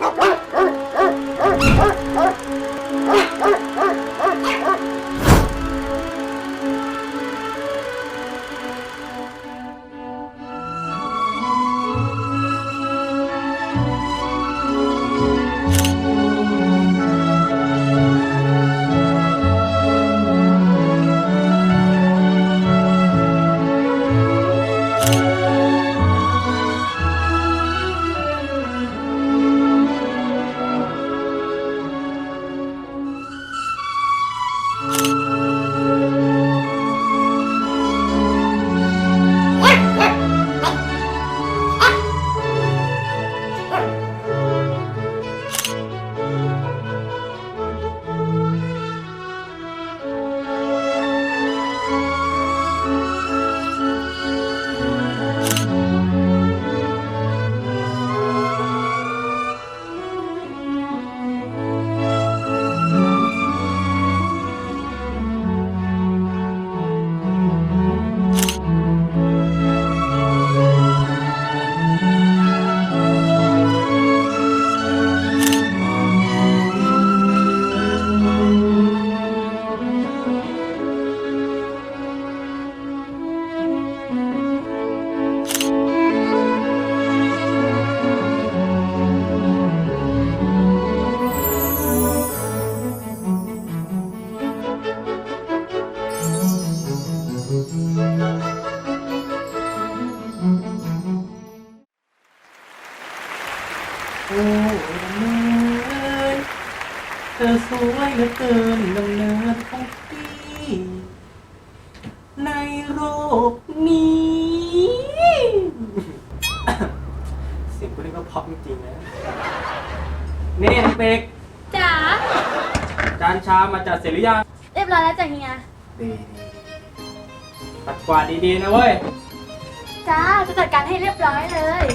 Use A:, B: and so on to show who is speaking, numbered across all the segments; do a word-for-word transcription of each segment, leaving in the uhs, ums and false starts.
A: โอ้ดำเนินเธอสวยเหลือเกินดำเนินของพี่ในโลกนี้เสียงกูนี่ก็เพราะจริงๆนะนี่น้องเป็ก
B: จ๋า
A: จานชามาจัดเสร็จหรือยัง
B: เรียบร้อยแล้วจ้ะเฮีย
A: ดีปัดกวาดดีๆนะเว้ย
B: จ้าจะจัดการให้เรียบร้อยเลย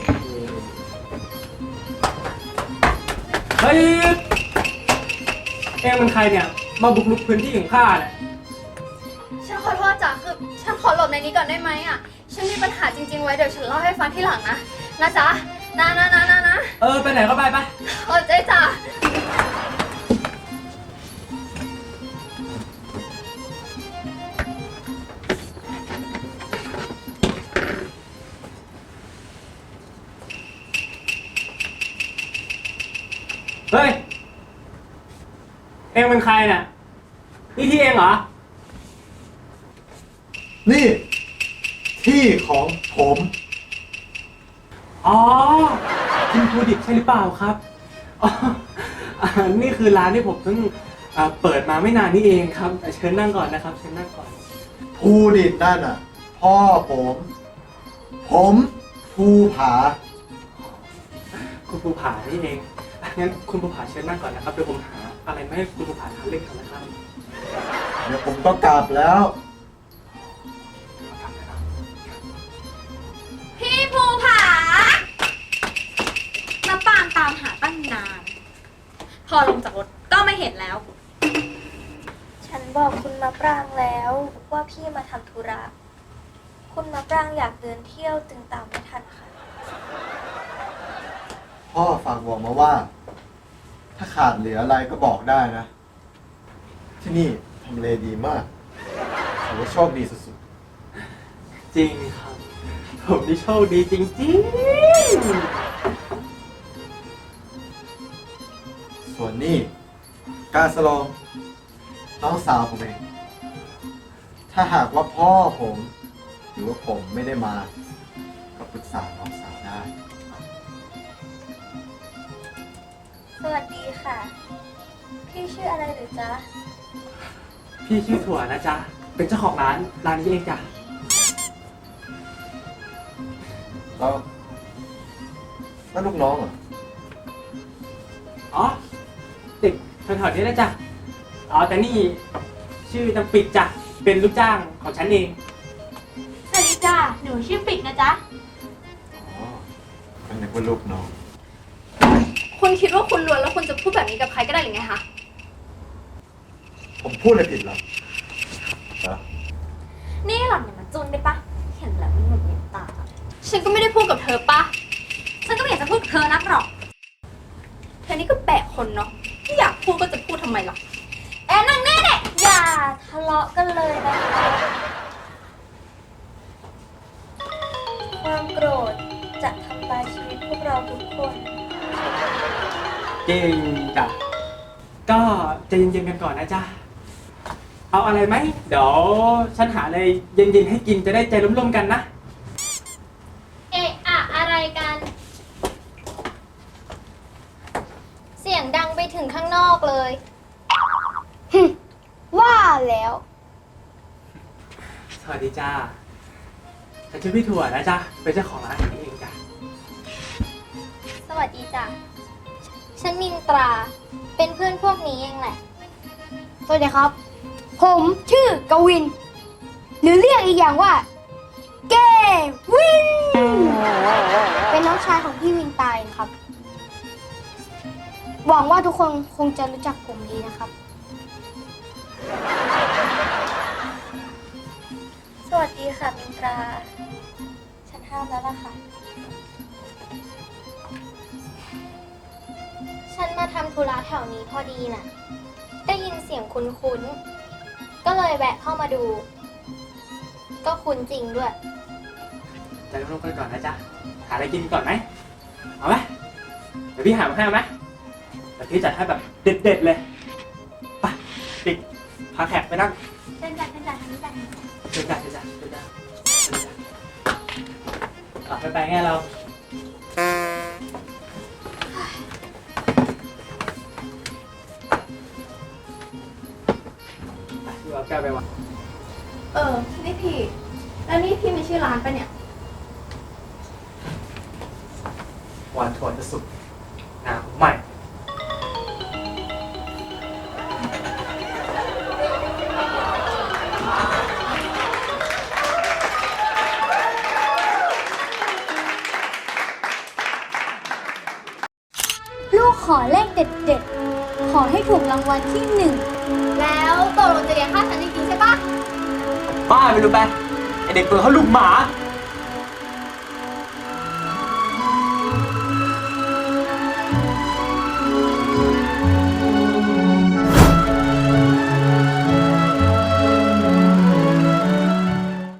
A: เฮ้ยเอ็งมันใครเนี่ยมาบุกรุกพื้นที่ของข้าเนี่ย
B: ฉันขอโทษจ้ะคือฉันขอหลบในนี้ก่อนได้ไหมอ่ะฉันมีปัญหาจริงๆไว้เดี๋ยวฉันเล่าให้ฟังที่หลังนะนะจ๊ะนะนะนะนะนะ
A: เออไปไหนก็ไปไป
B: โอ้ใจจ้ะ
A: เฮ้ยเอ็งเป็นใครเนี่ยนี่ที่เองเหรอ
C: นี่ที่ของผม
A: อ๋อคุณภูดิตใช่หรือเปล่าครับอ๋อนี่คือร้านที่ผมเพิ่งเปิดมาไม่นานนี่เองครับเชิญนั่งก่อนนะครับเชิญนั่งก่อน
C: ภูดิตนั่นอ่ะพ่อผมผมภูผา
A: คุณภูผานี่เองงั้นคุณภูผาเชิญนั่งก่อนนะครับเดี๋ยวผมหาอะไรมาให้คุณภูผาทานเล่นกันนะครับ
C: เดี๋ยวผมก็กลับแล้ว
B: พี่ภูผามาปางตามหาตั้งนานพอลงจากรถก็ไม่เห็นแล้ว
D: ฉันบอกคุณมะปรางแล้วว่าพี่มาทำธุระคุณมะปรางอยากเดินเที่ยวจึงตามไม่ทันค่ะ
C: พ่อฝากบอกมาว่าถ้าขาดเหลืออะไรก็บอกได้นะที่นี่ทำเลดีมากถือว่าโชคดีสุด
A: ๆจริงครับผมนี่โชคดีจริง
C: ๆส่วนนี่กาสลองน้องสาวผมเองถ้าหากว่าพ่อผมหรือว่าผมไม่ได้มาก็ปรึกษาน้องสาวได้
D: สวัสดีค่ะพี่ชื่ออะไรหรือจ๊ะ
A: พี่ชื่อถั่วนะจ๊ะเป็นเจ้าของร้านร้านนี้เองจ้ะ
C: แล้วนั่นลูกน้องเหรอ
A: อ๋อเด็กแถวๆนี้นะจ๊ะอ๋อแต่นี่ชื่อตังปิดจ้ะเป็นลูกจ้างของฉันเอง
B: สวัสดีจ้ะหนูชื่อปิดนะจ๊ะ
C: อ๋อเป็นนึกว่าลูกน้อง
B: คุณคิดว่าคุณรวยแล้วคุณจะพูดแบบนี้กับใครก็ได้หรือไงคะ
C: ผมพูดอะไรผิดหรอ
B: นี่หล่อนอย่ามาจุนได้ปะเห็นแล้วมันหงุดหงิดตาฉันก็ไม่ได้พูดกับเธอปะฉันก็ไม่อยากจะพูดกับเธอนักหรอกคนเนาะที่อยากพูดก็จะพูดทำไมล่ะแอนนั่งแน่เนี่ย
D: อย่าทะเลาะกันเลยนะคะ ความโกรธจะทำลายชีวิตพวกเราทุกคน
A: เก่งจ้ะก็ใจเย็นๆกันก่อนนะจ๊ะเอาอะไรไหมเดี๋ยวฉันหาอะไรเย็นๆให้กินจะได้ใจร่มๆกันนะ
E: เอะอะอะไรกัน เสียงดังไปถึงข้างนอกเลยฮึว่าแล้ว
A: สวัสดีจ้าฉันชื่อพี่ถั่วนะจ๊ะเป็นเจ้าของร้านอาหารนี้เองจ้ะ
E: สวัสดีจ้ะ ฉันมินตรา เป็นเพื่อนพวกนี้เองแหละ สวัสดีครับ ผมชื่อกวิน หรือเรียกอีกอย่างว่า เกวิน เป็นน้องชายของพี่วินตายนะครับ หวังว่าทุกคนคงจะรู้จักผมดีนะครับ
D: สวัสดีค่ะมินตรา ฉันห้ามแล้วล่ะค่ะ
E: ฉันมาทำธุระแถวนี้พอดีน่ะ ได้ยินเสียงคุ้นๆ ก็เลยแวะเข้ามาดู ก็คุ้นจริงด้วย
A: ใจร่มๆกันก่อนนะจ๊ะหาอะไรกินก่อนไหมเอาไหมเดี๋ยวพี่หามาให้เอาไหมเดี๋ยวพี่จัดให้แบบเด็ดๆเลยไปปิดพาแขกไปนั่ง
E: เดินจัดเดินจัดทางนี้จัด
A: เดินจ้ะเดินจ้ะเดินจ้ะเดินจ้ะอ่ะไปไปไงเราไปดูเอาแก้วไปวาง
B: เออ นี่พี่ แล้วนี่พี่มีชื่อร้านปะเนี่ย
A: หวานถั่วจะสุกงามใหม่
E: ลูกขอเลขเด็ดๆ ขอให้ถูกรางวัลที่หนึ่ง
B: แล้วตกลงจะเลี้ยงข้าวฉันจริงๆใช่ปะ
A: บ้าไปรู้ไปไอเด็กเปิดเขาลูกหมา
B: เ